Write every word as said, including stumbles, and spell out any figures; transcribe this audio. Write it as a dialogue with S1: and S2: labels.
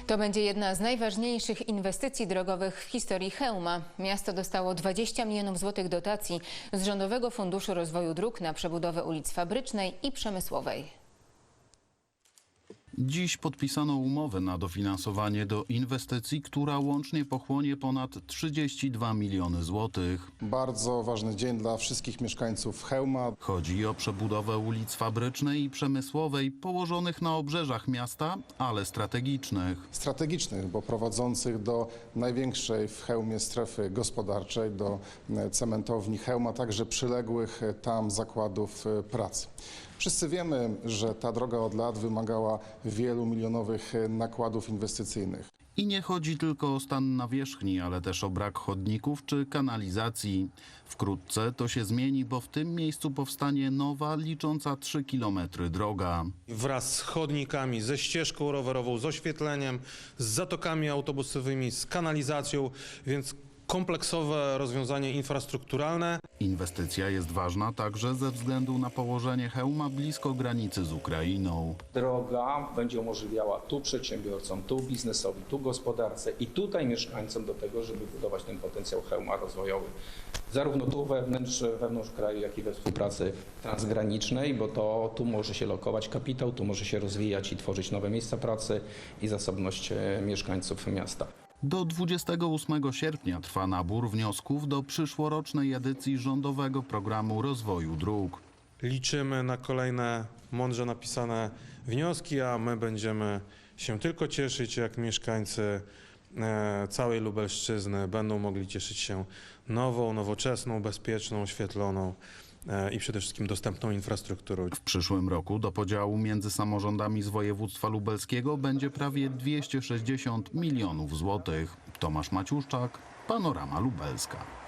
S1: To będzie jedna z najważniejszych inwestycji drogowych w historii Chełma. Miasto dostało dwadzieścia milionów złotych dotacji z Rządowego Funduszu Rozwoju Dróg na przebudowę ulic Fabrycznej i Przemysłowej.
S2: Dziś podpisano umowę na dofinansowanie do inwestycji, która łącznie pochłonie ponad trzydzieści dwa miliony złotych.
S3: Bardzo ważny dzień dla wszystkich mieszkańców Chełma.
S2: Chodzi o przebudowę ulic Fabrycznej i Przemysłowej położonych na obrzeżach miasta, ale strategicznych.
S3: Strategicznych, bo prowadzących do największej w Chełmie strefy gospodarczej, do cementowni Chełma, także przyległych tam zakładów pracy. Wszyscy wiemy, że ta droga od lat wymagała wielu milionowych nakładów inwestycyjnych.
S2: I nie chodzi tylko o stan nawierzchni, ale też o brak chodników czy kanalizacji. Wkrótce to się zmieni, bo w tym miejscu powstanie nowa, licząca trzy kilometry droga.
S4: Wraz z chodnikami, ze ścieżką rowerową, z oświetleniem, z zatokami autobusowymi, z kanalizacją, więc kompleksowe rozwiązanie infrastrukturalne.
S2: Inwestycja jest ważna także ze względu na położenie Chełma blisko granicy z Ukrainą.
S5: Droga będzie umożliwiała tu przedsiębiorcom, tu biznesowi, tu gospodarce i tutaj mieszkańcom do tego, żeby budować ten potencjał Chełma rozwojowy. Zarówno tu wewnątrz, wewnątrz kraju, jak i we współpracy transgranicznej, bo to tu może się lokować kapitał, tu może się rozwijać i tworzyć nowe miejsca pracy i zasobność mieszkańców miasta.
S2: Do dwudziestego ósmego sierpnia trwa nabór wniosków do przyszłorocznej edycji Rządowego Programu Rozwoju Dróg.
S4: Liczymy na kolejne mądrze napisane wnioski, a my będziemy się tylko cieszyć, jak mieszkańcy całej Lubelszczyzny będą mogli cieszyć się nową, nowoczesną, bezpieczną, oświetloną i przede wszystkim dostępną infrastrukturą.
S2: W przyszłym roku do podziału między samorządami z województwa lubelskiego będzie prawie dwieście sześćdziesiąt milionów złotych. Tomasz Maciuszczak, Panorama Lubelska.